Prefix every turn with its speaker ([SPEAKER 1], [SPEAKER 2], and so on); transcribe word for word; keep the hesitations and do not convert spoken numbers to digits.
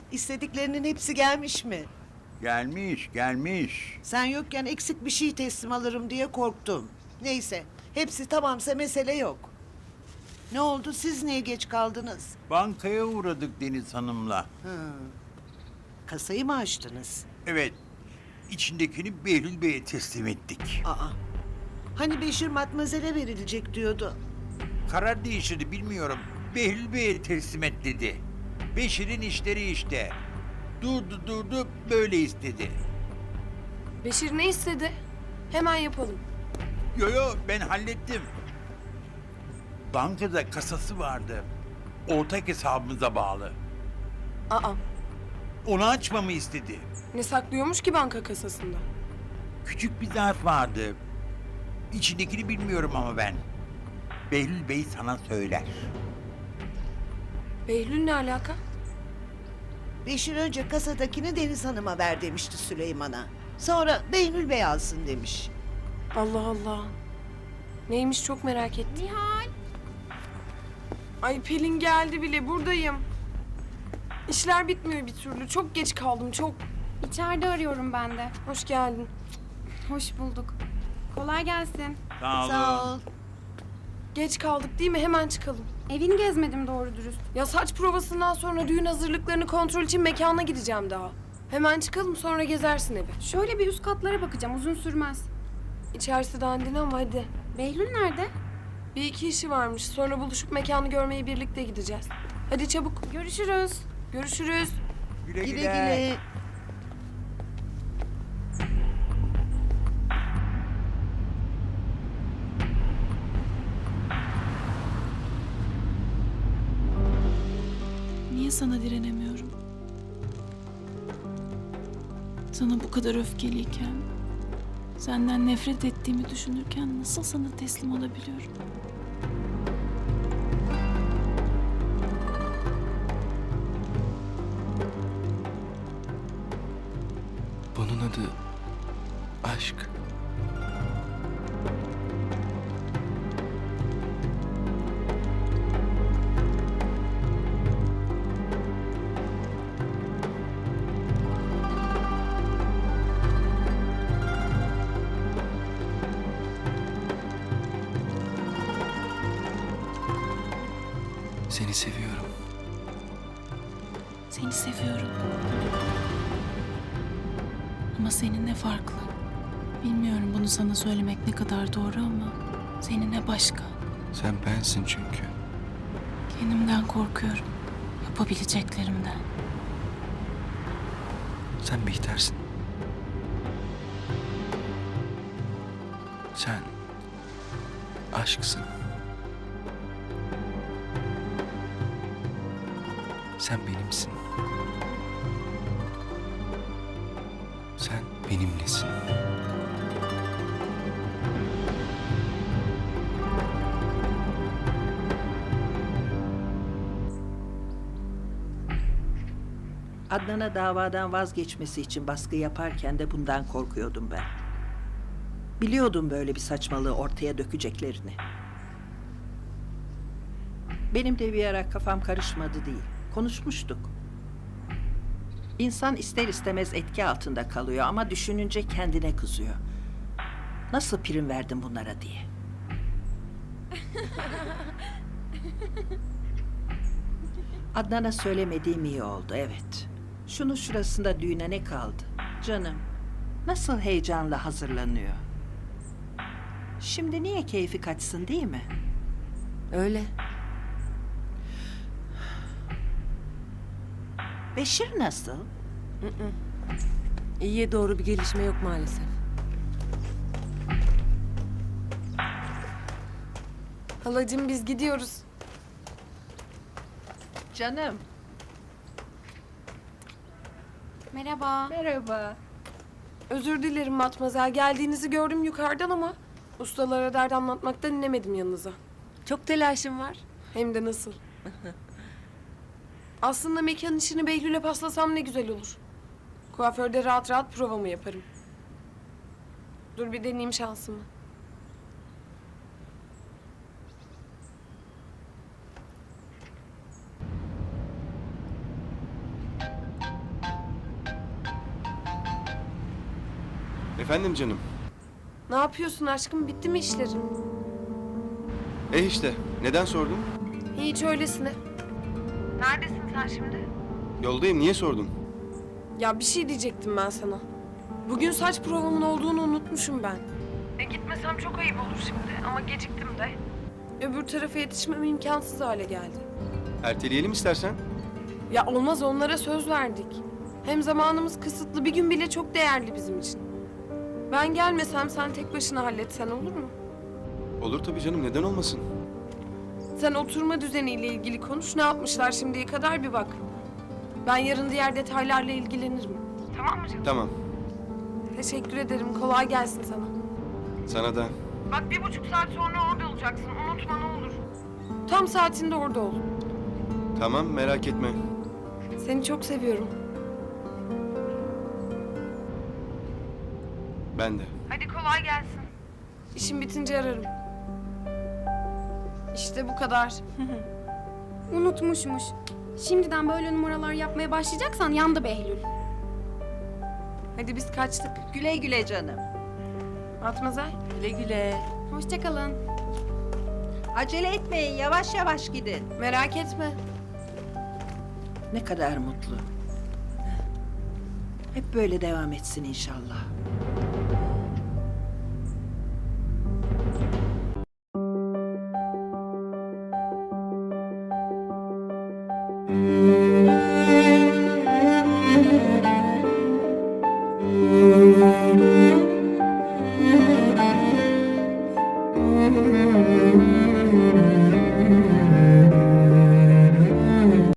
[SPEAKER 1] İstediklerinin hepsi gelmiş mi?
[SPEAKER 2] Gelmiş, gelmiş.
[SPEAKER 1] Sen yokken eksik bir şey teslim alırım diye korktum. Neyse, hepsi tamamsa mesele yok. Ne oldu, siz niye geç kaldınız?
[SPEAKER 2] Bankaya uğradık Deniz Hanım'la.
[SPEAKER 1] Kasayı mı açtınız?
[SPEAKER 2] Evet, içindekini Behlül Bey'e teslim ettik.
[SPEAKER 1] Aa, hani Beşir Matmazel'e verilecek diyordu.
[SPEAKER 2] Karar değiştirdi bilmiyorum. Behlül Bey'e teslim et dedi. Beşir'in işleri işte. Durdu durdu böyle istedi.
[SPEAKER 3] Beşir ne istedi? Hemen yapalım.
[SPEAKER 2] Yo yo ben hallettim. Bankada kasası vardı. Ortak hesabımıza bağlı.
[SPEAKER 3] Aa,
[SPEAKER 2] Onu açmamı istedi.
[SPEAKER 3] ne saklıyormuş ki banka kasasında?
[SPEAKER 2] Küçük bir zarf vardı. İçindekini bilmiyorum ama ben. Behlül Bey sana söyler.
[SPEAKER 3] Behlül ne alaka?
[SPEAKER 1] Beşir önce kasadakini Deniz Hanım'a ver demişti Süleyman'a. Sonra Behlül Bey alsın demiş.
[SPEAKER 3] Allah Allah. Neymiş çok merak ettim.
[SPEAKER 4] Nihal.
[SPEAKER 3] Ay Pelin geldi bile, buradayım. İşler bitmiyor bir türlü. Çok geç kaldım, çok.
[SPEAKER 4] İçeride arıyorum ben de.
[SPEAKER 3] Hoş geldin.
[SPEAKER 4] Hoş bulduk. Kolay gelsin.
[SPEAKER 2] Sağ olun.
[SPEAKER 1] Sağ ol.
[SPEAKER 3] Geç kaldık değil mi? Hemen çıkalım.
[SPEAKER 4] Evini gezmedim doğru dürüst.
[SPEAKER 3] Ya saç provasından sonra düğün hazırlıklarını kontrol için mekana gideceğim daha. Hemen çıkalım, sonra gezersin evi.
[SPEAKER 4] Şöyle bir üst katlara bakacağım, uzun sürmez.
[SPEAKER 3] İçerisi dandin ama hadi.
[SPEAKER 4] Behlül nerede?
[SPEAKER 3] Bir iki işi varmış. Sonra buluşup mekanı görmeye birlikte gideceğiz. Hadi çabuk.
[SPEAKER 4] Görüşürüz.
[SPEAKER 3] Görüşürüz.
[SPEAKER 2] Güle
[SPEAKER 1] Güle
[SPEAKER 2] güle.
[SPEAKER 1] güle.
[SPEAKER 5] Niye sana direnemiyorum? Sana bu kadar öfkeliyken, senden nefret ettiğimi düşünürken nasıl sana teslim olabiliyorum?
[SPEAKER 6] Bunun adı aşk. Seni seviyorum.
[SPEAKER 5] Seni seviyorum. Ama seninle farklı. Bilmiyorum bunu sana söylemek ne kadar doğru ama seninle başka.
[SPEAKER 6] Sen bensin çünkü.
[SPEAKER 5] Kendimden korkuyorum. Yapabileceklerimden.
[SPEAKER 6] Sen Bihter'sin. Sen aşksın. Sen benimsin. Sen benimlesin.
[SPEAKER 7] Adnan'a davadan vazgeçmesi için baskı yaparken de bundan korkuyordum ben. Biliyordum böyle bir saçmalığı ortaya dökeceklerini. Benim de bir ara kafam karışmadı değil. Konuşmuştuk. İnsan ister istemez etki altında kalıyor ama düşününce kendine kızıyor. Nasıl prim verdim bunlara diye. Adnan'a söylemediğim iyi oldu, evet. Şunun şurasında düğüne ne kaldı? Canım, nasıl heyecanla hazırlanıyor. Şimdi niye keyfi kaçsın değil mi?
[SPEAKER 3] Öyle.
[SPEAKER 7] Beşir nasıl?
[SPEAKER 3] İyiye doğru bir gelişme yok maalesef. Halacığım biz gidiyoruz.
[SPEAKER 7] Canım.
[SPEAKER 4] Merhaba.
[SPEAKER 7] Merhaba.
[SPEAKER 3] Özür dilerim Matmazel. Geldiğinizi gördüm yukarıdan ama ustalara dert anlatmaktan inemedim yanınıza.
[SPEAKER 8] Çok telaşım var.
[SPEAKER 3] Hem de nasıl. Aslında mekan işini Behlül'e paslasam ne güzel olur. Kuaförde rahat rahat provamı yaparım. Dur bir deneyeyim şansımı.
[SPEAKER 9] Efendim canım.
[SPEAKER 3] Ne yapıyorsun aşkım? Bitti mi işlerin?
[SPEAKER 9] E işte, neden sordun?
[SPEAKER 3] Hiç öylesine. Neredesin sen şimdi?
[SPEAKER 9] Yoldayım, niye sordun?
[SPEAKER 3] Ya bir şey diyecektim ben sana. Bugün saç provamın olduğunu unutmuşum ben. E gitmesem çok ayıp olur şimdi ama geciktim de. Öbür tarafa yetişmem imkansız hale geldi.
[SPEAKER 9] Erteleyelim istersen.
[SPEAKER 3] Ya olmaz, onlara söz verdik. Hem zamanımız kısıtlı, bir gün bile çok değerli bizim için. Ben gelmesem sen tek başına halletsen olur mu?
[SPEAKER 9] Olur tabii canım, neden olmasın?
[SPEAKER 3] Sen oturma düzeniyle ilgili konuş, ne yapmışlar şimdiye kadar bir bak. Ben yarın diğer detaylarla ilgilenirim. Tamam mı canım?
[SPEAKER 9] Tamam,
[SPEAKER 3] Teşekkür ederim, kolay gelsin sana.
[SPEAKER 9] sana da.
[SPEAKER 3] Bak bir buçuk saat sonra orada olacaksın, unutma ne olur. Tam saatinde orada ol.
[SPEAKER 9] Tamam, merak etme.
[SPEAKER 3] Seni çok seviyorum.
[SPEAKER 9] Ben de.
[SPEAKER 3] Hadi kolay gelsin. İşim bitince ararım. İşte bu kadar.
[SPEAKER 4] Unutmuşmuş. Şimdiden böyle numaralar yapmaya başlayacaksan yandı Behlül.
[SPEAKER 3] Hadi biz kaçtık.
[SPEAKER 7] Güle güle canım.
[SPEAKER 3] Matmazel.
[SPEAKER 8] Güle güle.
[SPEAKER 4] Hoşça kalın.
[SPEAKER 7] Acele etmeyin, yavaş yavaş gidin.
[SPEAKER 3] Merak etme.
[SPEAKER 7] Ne kadar mutlu. Hep böyle devam etsin inşallah.
[SPEAKER 6] Müzik